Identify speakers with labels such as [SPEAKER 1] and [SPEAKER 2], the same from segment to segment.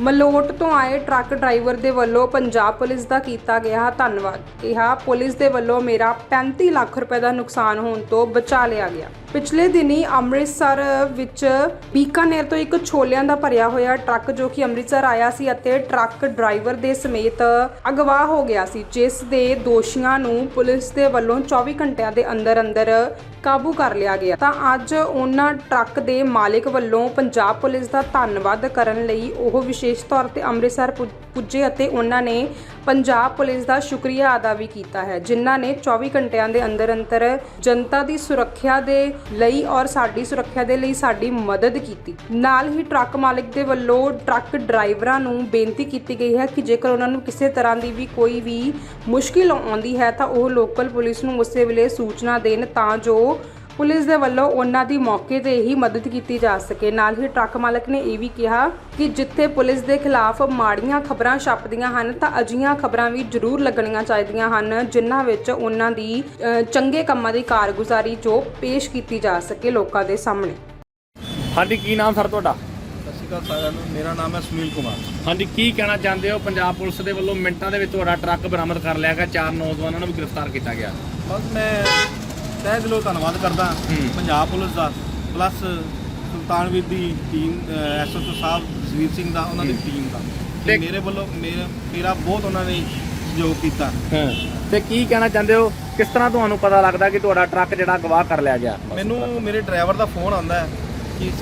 [SPEAKER 1] ਮਲੋਟ ਤੋਂ ਆਏ truck driver ਦੇ ਵੱਲੋਂ ਪੰਜਾਬ ਪੁਲਿਸ ਦਾ ਕੀਤਾ ਗਿਆ ਧੰਨਵਾਦ। ਕਿਹਾ ਪੁਲਿਸ ਦੇ ਵੱਲੋਂ ਮੇਰਾ 35 ਲੱਖ ਰੁਪਏ ਦਾ ਨੁਕਸਾਨ ਹੋਣ ਤੋਂ ਬਚਾ ਲਿਆ ਗਿਆ। ਪਿਛਲੇ ਦਿਨੀ ਅੰਮ੍ਰਿਤਸਰ ਵਿੱਚ ਬੀਕਾਨੇਰ ਤੋਂ ਇੱਕ ਛੋਲਿਆਂ ਦਾ ਭਰਿਆ ਹੋਇਆ ਟਰੱਕ ਜੋ ਕਿ ਅੰਮ੍ਰਿਤਸਰ ਆਇਆ ਸੀ ਅਤੇ ਟਰੱਕ ਡਰਾਈਵਰ ਦੇ ਸਮੇਤ ਅਗਵਾ ਹੋ ਗਿਆ ਸੀ, ਜਿਸ ਦੇ ਦੋਸ਼ੀਆਂ ਨੂੰ ਪੁਲਿਸ ਦੇ ਵੱਲੋਂ 24 ਘੰਟਿਆਂ ਦੇ ਅੰਦਰ ਕਾਬੂ ਕਰ ਲਿਆ ਗਿਆ। ਤਾਂ ਅੱਜ ਉਹਨਾਂ ਟਰੱਕ ਦੇ ਮਾਲਕ ਵੱਲੋਂ ਪੰਜਾਬ ਪੁਲਿਸ ਦਾ ਧੰਨਵਾਦ ਕਰਨ ਲਈ ਉਹ ਵਿਸ਼ੇਸ਼ ਤੌਰ ਤੇ ਅੰਮ੍ਰਿਤਸਰ ਪੁੱਜੇ ਅਤੇ ਉਹਨਾਂ ਨੇ ਪੰਜਾਬ ਪੁਲਿਸ ਦਾ ਸ਼ੁਕਰੀਆ ਅਦਾ ਵੀ ਕੀਤਾ ਹੈ, ਜਿਨ੍ਹਾਂ ਨੇ 24 ਘੰਟਿਆਂ ਦੇ ਅੰਦਰ ਜਨਤਾ ਦੀ ਸੁਰੱਖਿਆ ਦੇ ਲਈ ਔਰ ਸਾਡੀ ਸੁਰੱਖਿਆ ਦੇ ਲਈ ਸਾਡੀ ਮਦਦ ਕੀਤੀ। ਨਾਲ ਹੀ ਟਰੱਕ ਮਾਲਕ ਦੇ ਵੱਲੋਂ ਟਰੱਕ ਡਰਾਈਵਰਾਂ ਨੂੰ ਬੇਨਤੀ ਕੀਤੀ ਗਈ ਹੈ ਕਿ ਜੇਕਰ ਉਹਨਾਂ ਨੂੰ ਕਿਸੇ ਤਰ੍ਹਾਂ ਦੀ ਵੀ ਕੋਈ ਵੀ ਮੁਸ਼ਕਿਲ ਆਉਂਦੀ ਹੈ ਤਾਂ ਉਹ ਲੋਕਲ ਪੁਲਿਸ ਨੂੰ ਉਸੇ ਵੇਲੇ ਸੂਚਨਾ ਦੇਣ ਤਾਂ ਜੋ ਪੁਲਿਸ ਦੇ ਵੱਲੋਂ ਉਹਨਾਂ ਦੀ ਮੌਕੇ ਤੇ ਹੀ ਮਦਦ ਕੀਤੀ ਜਾ ਸਕੇ। ਨਾਲ ਹੀ ਟਰੱਕ ਮਾਲਕ ਨੇ ਇਹ ਵੀ ਕਿਹਾ ਕਿ ਜਿੱਥੇ ਪੁਲਿਸ ਦੇ ਖਿਲਾਫ ਮਾੜੀਆਂ ਖਬਰਾਂ ਛਪਦੀਆਂ ਹਨ ਤਾਂ ਅਜਿਹੀਆਂ ਖਬਰਾਂ ਵੀ ਜ਼ਰੂਰ ਲੱਗਣੀਆਂ ਚਾਹੀਦੀਆਂ ਹਨ, ਜਿਨ੍ਹਾਂ ਵਿੱਚ ਉਹਨਾਂ ਦੀ ਚੰਗੇ ਕੰਮਾਂ ਦੀ ਕਾਰਗੁਜ਼ਾਰੀ ਜੋ ਪੇਸ਼ ਕੀਤੀ ਜਾ ਸਕੇ ਲੋਕਾਂ ਦੇ ਸਾਹਮਣੇ।
[SPEAKER 2] ਹਾਂਜੀ, ਕੀ ਨਾਮ ਸਰ ਤੁਹਾਡਾ?
[SPEAKER 3] ਸਤਿ ਸ਼੍ਰੀ ਅਕਾਲ ਸਾਰਿਆਂ ਨੂੰ, ਮੇਰਾ ਨਾਮ ਹੈ ਸੁਨੀਲ ਕੁਮਾਰ।
[SPEAKER 2] ਹਾਂਜੀ, ਕੀ ਕਹਿਣਾ ਚਾਹੁੰਦੇ ਹੋ? ਪੰਜਾਬ ਪੁਲਿਸ ਦੇ ਵੱਲੋਂ ਮਿੰਟਾਂ ਦੇ ਵਿੱਚ ਤੁਹਾਡਾ ਟਰੱਕ ਬਰਾਮਦ ਕਰ ਲਿਆ ਗਿਆ, 4 ਨੌਜਵਾਨਾਂ ਨੂੰ ਵੀ ਗ੍ਰਿਫਤਾਰ ਕੀਤਾ ਗਿਆ।
[SPEAKER 3] ਬਸ ਮੈਂ ਤਹਿ ਦਿਲੋਂ ਧੰਨਵਾਦ ਕਰਦਾ ਪੰਜਾਬ ਪੁਲਿਸ ਦਾ, ਪਲੱਸ ਸੁਲਤਾਨਵੀਰ ਦੀ ਟੀਮ, ਐਸਐਚਓ ਸਾਹਿਬ ਜਸਵੀਰ ਸਿੰਘ ਦਾ, ਉਹਨਾਂ ਦੀ ਟੀਮ ਦਾ, ਤੇ ਮੇਰੇ ਵੱਲੋਂ ਮੇਰਾ ਬਹੁਤ ਉਹਨਾਂ ਨੇ ਸਹਿਯੋਗ ਕੀਤਾ।
[SPEAKER 2] ਤੇ ਕੀ ਕਹਿਣਾ ਚਾਹੁੰਦੇ ਹੋ, ਕਿਸ ਤਰ੍ਹਾਂ ਤੁਹਾਨੂੰ ਪਤਾ ਲੱਗਦਾ ਕਿ ਤੁਹਾਡਾ ਟਰੱਕ ਜਿਹੜਾ ਗਵਾਹ ਕਰ ਲਿਆ ਗਿਆ?
[SPEAKER 3] ਮੈਨੂੰ ਮੇਰੇ ਡਰਾਈਵਰ ਦਾ ਫੋਨ ਆਉਂਦਾ ਹੈ ਕਿ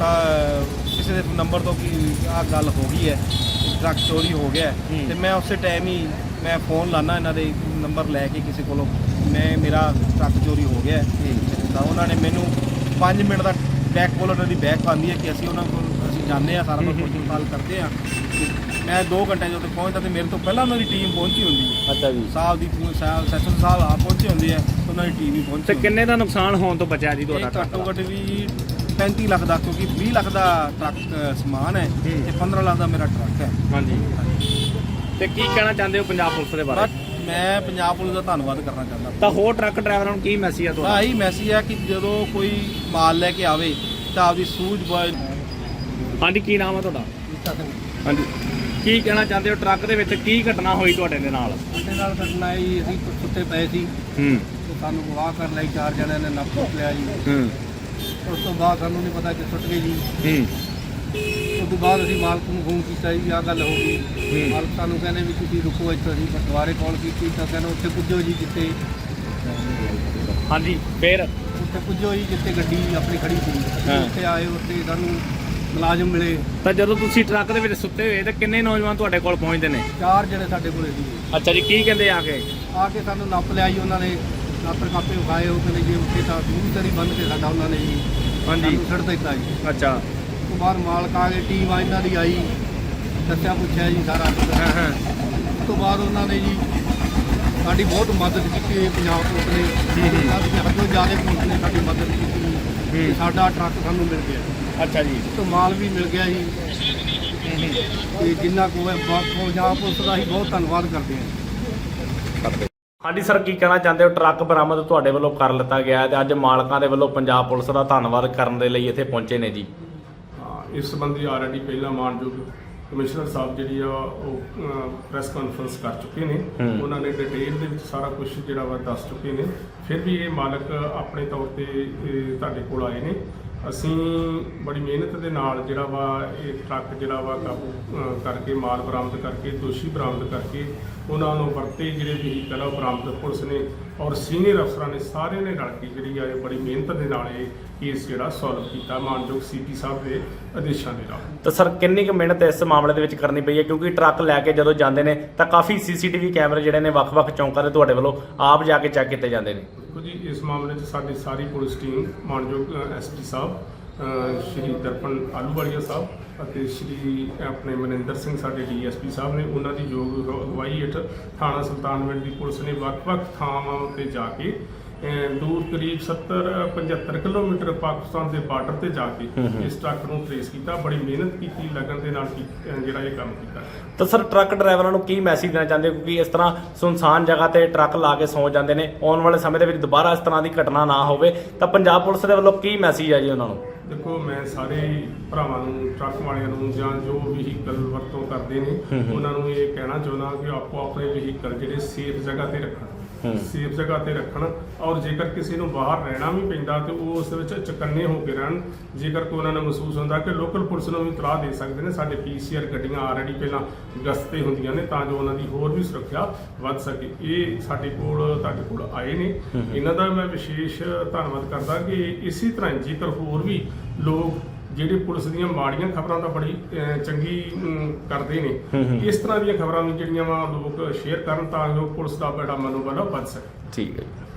[SPEAKER 3] ਕਿਸੇ ਦੇ ਨੰਬਰ ਤੋਂ ਕਿ ਆਹ ਗੱਲ ਹੋ ਗਈ ਹੈ, ਟਰੱਕ ਚੋਰੀ ਹੋ ਗਿਆ, ਤੇ ਮੈਂ ਉਸੇ ਟਾਈਮ ਹੀ ਮੈਂ ਫੋਨ ਲਾਣਾ ਇਹਨਾਂ ਦੇ ਨੰਬਰ ਲੈ ਕੇ ਕਿਸੇ ਕੋਲੋਂ, ਮੇਰਾ ਟਰੱਕ ਚੋਰੀ ਹੋ ਗਿਆ ਤਾਂ ਉਹਨਾਂ ਨੇ ਮੈਨੂੰ 5 ਮਿੰਟ ਦਾ ਬੈਕ ਕੋਲ ਉਹਨਾਂ ਦੀ ਬੈਕ ਪਾਉਂਦੀ ਹੈ ਕਿ ਅਸੀਂ ਉਹਨਾਂ ਕੋਲ ਜਾਂਦੇ ਹਾਂ, ਸਾਰਾ ਕੁਝ ਪੜਤਾਲ ਕਰਦੇ ਹਾਂ। ਮੈਂ 2 ਘੰਟੇ ਜਦੋਂ ਪਹੁੰਚਦਾ ਤੇ ਮੇਰੇ ਤੋਂ ਪਹਿਲਾਂ ਉਹਨਾਂ ਦੀ ਟੀਮ ਪਹੁੰਚੀ ਹੁੰਦੀ ਹੈ। ਅੱਛਾ ਜੀ, ਸੈਸ਼ਨ ਸਾਹਿਬ ਆ ਪਹੁੰਚੇ ਹੁੰਦੇ ਆ, ਉਹਨਾਂ ਦੀ ਟੀਮ ਵੀ ਪਹੁੰਚੀ।
[SPEAKER 2] ਤੇ ਕਿੰਨੇ ਦਾ ਨੁਕਸਾਨ ਹੋਣ ਤੋਂ ਬਚਿਆ ਜੀ ਤੁਹਾਡਾ?
[SPEAKER 3] ਘੱਟੋ ਘੱਟ ਵੀ 35 ਲੱਖ ਦਾ, ਕਿਉਂਕਿ 20 ਲੱਖ ਦਾ ਟਰੱਕ ਸਮਾਨ ਹੈ ਤੇ 15 ਲੱਖ ਦਾ ਮੇਰਾ ਟਰੱਕ ਹੈ।
[SPEAKER 2] ਹਾਂਜੀ, ਤੇ ਕੀ ਕਹਿਣਾ ਚਾਹੁੰਦੇ ਹੋ ਪੰਜਾਬ ਪੁਲਿਸ ਦੇ ਬਾਰੇ?
[SPEAKER 3] ਮੈਂ ਪੰਜਾਬ ਪੁਲਿਸ ਦਾ ਧੰਨਵਾਦ ਕਰਨਾ ਚਾਹੁੰਦਾ।
[SPEAKER 2] ਤਾਂ ਹੋਰ ਟਰੱਕ ਡਰਾਈਵਰਾਂ ਨੂੰ ਕੀ ਮੈਸੇਜ ਹੈ ਤੁਹਾਡਾ?
[SPEAKER 3] ਇਹੀ ਮੈਸੇਜ ਹੈ ਕਿ ਜਦੋਂ ਕੋਈ ਮਾਲ ਲੈ ਕੇ ਆਵੇ ਤਾਂ ਆਪਦੀ ਸੂਝ-ਬੂਝ।
[SPEAKER 2] ਹਾਂਜੀ, ਕੀ ਨਾਮ ਹੈ ਤੁਹਾਡਾ? ਹਾਂਜੀ, ਕੀ ਕਹਿਣਾ ਚਾਹੁੰਦੇ ਹੋ, ਟਰੱਕ ਦੇ ਵਿੱਚ ਕੀ ਘਟਨਾ ਹੋਈ ਤੁਹਾਡੇ ਦੇ ਨਾਲ?
[SPEAKER 3] ਸਾਡੇ ਨਾਲ ਘਟਨਾ ਜੀ, ਅਸੀਂ ਸੁੱਤੇ ਪਏ ਸੀ ਤੇ ਸਾਨੂੰ ਗਵਾਹ ਕਰਨ ਲਈ 4 ਜਣਿਆਂ ਨੇ ਨੱਪ ਲਿਆ ਜੀ। ਉਸ ਤੋਂ ਬਾਅਦ ਸਾਨੂੰ ਨਹੀਂ ਪਤਾ ਕਿ ਸੁੱਟ ਗਏ ਜੀ। ਉਸ ਤੋਂ ਬਾਅਦ ਅਸੀਂ ਮਾਲਕ ਨੂੰ ਫੋਨ ਕੀਤਾ ਜੀ, ਆਹ ਗੱਲ ਹੋ ਗਈ। ਮਾਲਕ ਸਾਨੂੰ ਕਹਿੰਦੇ ਵੀ ਤੁਸੀਂ ਰੁਕੋ ਇੱਥੇ। ਅਸੀਂ ਦੁਬਾਰੇ ਕਾਲ ਕੀਤੀ ਤਾਂ ਕਹਿੰਦੇ ਉੱਥੇ ਪੁੱਜੋ ਜੀ ਜਿੱਥੇ।
[SPEAKER 2] ਹਾਂਜੀ, ਫਿਰ
[SPEAKER 3] ਉੱਥੇ ਪੁੱਜੋ ਜੀ ਜਿੱਥੇ ਗੱਡੀ ਆਪਣੀ ਖੜੀ ਸੀ। ਉੱਥੇ ਆਏ, ਉੱਥੇ ਸਾਨੂੰ ਮੁਲਾਜ਼ਮ ਮਿਲੇ।
[SPEAKER 2] ਤਾਂ ਜਦੋਂ ਤੁਸੀਂ ਟਰੱਕ ਦੇ ਵਿੱਚ ਸੁੱਤੇ ਹੋਏ ਤਾਂ ਕਿੰਨੇ ਨੌਜਵਾਨ ਤੁਹਾਡੇ ਕੋਲ ਪਹੁੰਚਦੇ ਨੇ?
[SPEAKER 3] 4 ਜਣੇ ਸਾਡੇ ਕੋਲੇ ਸੀ।
[SPEAKER 2] ਅੱਛਾ ਜੀ, ਕੀ ਕਹਿੰਦੇ ਆ ਕੇ
[SPEAKER 3] ਸਾਨੂੰ ਨੱਪ ਲਿਆ ਜੀ ਉਹਨਾਂ ਨੇ, ਨਾਪਰ ਕਾਪੇ ਵਿਖਾਏ। ਉਹ ਕਹਿੰਦੇ ਜੀ ਉੱਥੇ ਤਾਂ ਪੂਰੀ ਤਰੀ ਬੰਨ੍ਹ ਕੇ ਸਾਡਾ ਉਹਨਾਂ ਨੇ ਜੀ
[SPEAKER 2] ਹਾਂਜੀ
[SPEAKER 3] ਛੱਡ ਦਿੱਤਾ ਜੀ।
[SPEAKER 2] ਅੱਛਾ,
[SPEAKER 3] ਉਸ ਤੋਂ ਬਾਅਦ ਮਾਲਕ ਆ ਗਏ, ਟੀਮ ਆ ਇਹਨਾਂ ਦੀ ਆਈ, ਦੱਸਿਆ ਪੁੱਛਿਆ ਜੀ ਸਾਰਾ। ਉਸ ਤੋਂ ਬਾਅਦ ਉਹਨਾਂ ਨੇ ਜੀ ਸਾਡੀ ਬਹੁਤ ਮਦਦ ਕੀਤੀ। ਪੰਜਾਬ ਪੁਲਿਸ ਨੇ ਹੱਦੋਂ ਜ਼ਿਆਦਾ ਪੁਲਿਸ ਨੇ ਸਾਡੀ ਮਦਦ ਕੀਤੀ। ਸਾਡਾ ਟਰੱਕ ਸਾਨੂੰ ਮਿਲ ਗਿਆ।
[SPEAKER 2] ਅੱਛਾ ਜੀ,
[SPEAKER 3] ਤੋਂ ਮਾਲ ਵੀ ਮਿਲ ਗਿਆ ਜੀ। ਤੇ ਜਿੰਨਾ ਕੋ ਪੰਜਾਬ ਪੁਲਿਸ ਦਾ ਹੀ ਬਹੁਤ ਧੰਨਵਾਦ ਕਰਦੇ ਹਾਂ।
[SPEAKER 2] ਹਾਂਜੀ ਸਰ, ਕੀ ਕਹਿਣਾ ਚਾਹੁੰਦੇ ਹੋ? ਟਰੱਕ ਬਰਾਮਦ ਤੁਹਾਡੇ ਵੱਲੋਂ ਕਰ ਲਿੱਤਾ ਗਿਆ ਤੇ ਅੱਜ ਮਾਲਕਾਂ ਦੇ ਵੱਲੋਂ ਪੰਜਾਬ ਪੁਲਿਸ ਦਾ ਧੰਨਵਾਦ ਕਰਨ ਦੇ ਲਈ ਇੱਥੇ ਪਹੁੰਚੇ ਨੇ ਜੀ।
[SPEAKER 4] ਇਸ ਸੰਬੰਧੀ ਆਲਰੇਡੀ ਪਹਿਲਾਂ ਮਾਨਯੋਗ ਕਮਿਸ਼ਨਰ ਸਾਹਿਬ ਜਿਹੜੀ ਆ ਉਹ ਪ੍ਰੈਸ ਕਾਨਫਰੰਸ ਕਰ ਚੁੱਕੇ ਨੇ। ਉਹਨਾਂ ਨੇ ਡਿਟੇਲ ਦੇ ਵਿੱਚ ਸਾਰਾ ਕੁਝ ਜਿਹੜਾ ਵਾ ਦੱਸ ਚੁੱਕੇ ਨੇ। ਫਿਰ ਵੀ ਇਹ ਮਾਲਕ ਆਪਣੇ ਤੌਰ ਤੇ ਤੁਹਾਡੇ ਕੋਲ ਆਏ ਨੇ। ਅਸੀਂ ਬੜੀ ਮਿਹਨਤ ਦੇ ਨਾਲ ਜਿਹੜਾ ਵਾ ਇਹ ਟਰੱਕ ਜਿਹੜਾ ਵਾ ਕਾਬੂ ਕਰਕੇ, ਮਾਲ ਬਰਾਮਦ ਕਰਕੇ, ਦੋਸ਼ੀ ਬਰਾਮਦ ਕਰਕੇ ਉਹਨਾਂ ਨੂੰ ਵਰਤੇ ਜਿਹੜੇ ਵਹੀਕਲ ਆ ਬਰਾਮਦ ਪੁਲਿਸ ਨੇ ਔਰ ਸੀਨੀਅਰ ਅਫਸਰਾਂ ਨੇ ਸਾਰਿਆਂ ਨੇ ਰਲ ਕੇ ਜਿਹੜੀ ਆ ਬੜੀ ਮਿਹਨਤ ਦੇ ਨਾਲ ਇਹ ਕੇਸ ਜਿਹੜਾ ਸੋਲਵ ਕੀਤਾ ਮਾਨਯੋਗ ਸੀਪੀ ਸਾਹਿਬ ਦੇ ਆਦੇਸ਼ਾਂ ਦੇ ਨਾਲ।
[SPEAKER 2] ਤਾਂ ਸਰ ਕਿੰਨੀ ਕੁ ਮਿਹਨਤ ਇਸ ਮਾਮਲੇ ਦੇ ਵਿੱਚ ਕਰਨੀ ਪਈ ਹੈ? ਕਿਉਂਕਿ ਟਰੱਕ ਲੈ ਕੇ ਜਦੋਂ ਜਾਂਦੇ ਨੇ ਤਾਂ ਕਾਫੀ ਸੀਸੀਟੀਵੀ ਕੈਮਰੇ ਜਿਹੜੇ ਨੇ ਵੱਖ-ਵੱਖ ਚੌਂਕਾਂ ਦੇ ਤੁਹਾਡੇ ਵੱਲੋਂ ਆਪ ਜਾ ਕੇ ਚੈੱਕ ਕੀਤੇ ਜਾਂਦੇ ਨੇ।
[SPEAKER 4] ਦੇਖੋ ਜੀ, ਇਸ ਮਾਮਲੇ 'ਚ ਸਾਡੀ ਸਾਰੀ ਪੁਲਿਸ ਟੀਮ, ਮਾਨਯੋਗ ਐਸਪੀ ਸਾਹਿਬ ਸ਼੍ਰੀ ਦਰਪਨ ਆਲੂਵਾਲੀਆ ਸਾਹਿਬ ਅਤੇ ਸ਼੍ਰੀ ਆਪਣੇ ਮਨਿੰਦਰ ਸਿੰਘ ਸਾਡੇ ਡੀਐਸਪੀ ਸਾਹਿਬ ਨੇ, ਉਹਨਾਂ ਦੀ ਯੋਗ ਅਗਵਾਈ ਹੇਠ ਥਾਣਾ ਸੁਲਤਾਨਵਿੰਡ ਦੀ ਪੁਲਿਸ ਨੇ ਵੱਖ-ਵੱਖ ਥਾਵਾਂ 'ਤੇ ਜਾ ਕੇ ਦੂਰ ਕਰੀਬ 70-75 ਕਿਲੋਮੀਟਰ ਪਾਕਿਸਤਾਨ ਦੇ ਬਾਰਡਰ ਤੇ ਜਾ ਕੇ ਇਸ ਟਰੱਕ ਨੂੰ ਟ੍ਰੇਸ ਕੀਤਾ। ਬੜੀ ਮਿਹਨਤ ਕੀਤੀ, ਲਗਨ ਦੇ ਨਾਲ ਜਿਹੜਾ ਇਹ ਕੰਮ ਕੀਤਾ।
[SPEAKER 2] ਤਾਂ ਸਰ ਟਰੱਕ ਡਰਾਈਵਰਾਂ ਨੂੰ ਕੀ ਮੈਸੇਜ ਦੇਣਾ ਚਾਹੁੰਦੇ ਹੋ, ਕਿਉਂਕਿ ਇਸ ਤਰ੍ਹਾਂ ਸੁਨਸਾਨ ਜਗ੍ਹਾ ਤੇ ਟਰੱਕ ਲਾ ਕੇ ਸੌਂ ਜਾਂਦੇ ਨੇ, ਆਉਣ ਵਾਲੇ ਸਮੇਂ ਦੇ ਵਿੱਚ ਦੁਬਾਰਾ ਇਸ ਤਰ੍ਹਾਂ ਦੀ ਘਟਨਾ ਨਾ ਹੋਵੇ, ਤਾਂ ਪੰਜਾਬ ਪੁਲਿਸ ਦੇ ਵੱਲੋਂ ਕੀ ਮੈਸੇਜ ਹੈ ਜੀ ਉਹਨਾਂ ਨੂੰ?
[SPEAKER 4] ਦੇਖੋ, ਮੈਂ ਸਾਰੇ ਭਰਾਵਾਂ ਨੂੰ, ਟਰੱਕ ਵਾਲਿਆਂ ਨੂੰ ਜਾਂ ਜੋ ਵਹੀਕਲ ਵਰਤੋਂ ਕਰਦੇ ਨੇ ਉਹਨਾਂ ਨੂੰ ਇਹ ਕਹਿਣਾ ਚਾਹੁੰਦਾ ਕਿ ਆਪੋ ਆਪਣੇ ਵਹੀਕਲ ਜਿਹੜੇ ਸੇਫ ਜਗ੍ਹਾ ਤੇ ਰੱਖਣ, ਸੇਫ ਜਗ੍ਹਾ ਤੇ ਰੱਖਣ। ਔਰ ਜੇਕਰ ਕਿਸੇ ਨੂੰ ਬਾਹਰ ਰਹਿਣਾ ਵੀ ਪੈਂਦਾ ਤੇ ਉਹ ਉਸ ਵਿੱਚ ਚੁਕੰਨੇ ਹੋ ਕੇ ਰਹਿਣ। ਜੇਕਰ ਕੋਈ ਉਹਨਾਂ ਨੂੰ ਮਹਿਸੂਸ ਹੁੰਦਾ ਕਿ ਲੋਕਲ ਪੁਲਿਸ ਨੂੰ ਵੀ ਇਤਲਾਹ ਦੇ ਸਕਦੇ ਨੇ। ਸਾਡੇ PCR ਗੱਡੀਆਂ ਆਲਰੇਡੀ ਪਹਿਲਾਂ ਗਸ਼ਤ ਤੇ ਹੁੰਦੀਆਂ ਨੇ ਤਾਂ ਜੋ ਉਹਨਾਂ ਦੀ ਹੋਰ ਵੀ ਸੁਰੱਖਿਆ ਵੱਧ ਸਕੇ। ਇਹ ਸਾਡੇ ਕੋਲ, ਤੁਹਾਡੇ ਕੋਲ ਆਏ ਨੇ, ਇਹਨਾਂ ਦਾ ਮੈਂ ਵਿਸ਼ੇਸ਼ ਧੰਨਵਾਦ ਕਰਦਾ ਕਿ ਇਸੇ ਤਰ੍ਹਾਂ ਜੇਕਰ ਹੋਰ ਵੀ ਲੋਕ ਜਿਹੜੇ ਪੁਲਿਸ ਦੀਆਂ ਮਾੜੀਆਂ ਖਬਰਾਂ ਤਾਂ ਬੜੀ ਚੰਗੀ ਕਰਦੇ ਨੇ, ਇਸ ਤਰ੍ਹਾਂ ਦੀਆਂ ਖਬਰਾਂ ਵੀ ਜਿਹੜੀਆਂ ਵਾ ਲੋਕ ਸ਼ੇਅਰ ਕਰਨ ਤਾਂ ਜੋ ਪੁਲਿਸ ਦਾ ਬੜਾ ਮਨੋਬਲ ਵੱਧ ਸਕੇ।
[SPEAKER 2] ਠੀਕ ਹੈ ਜੀ।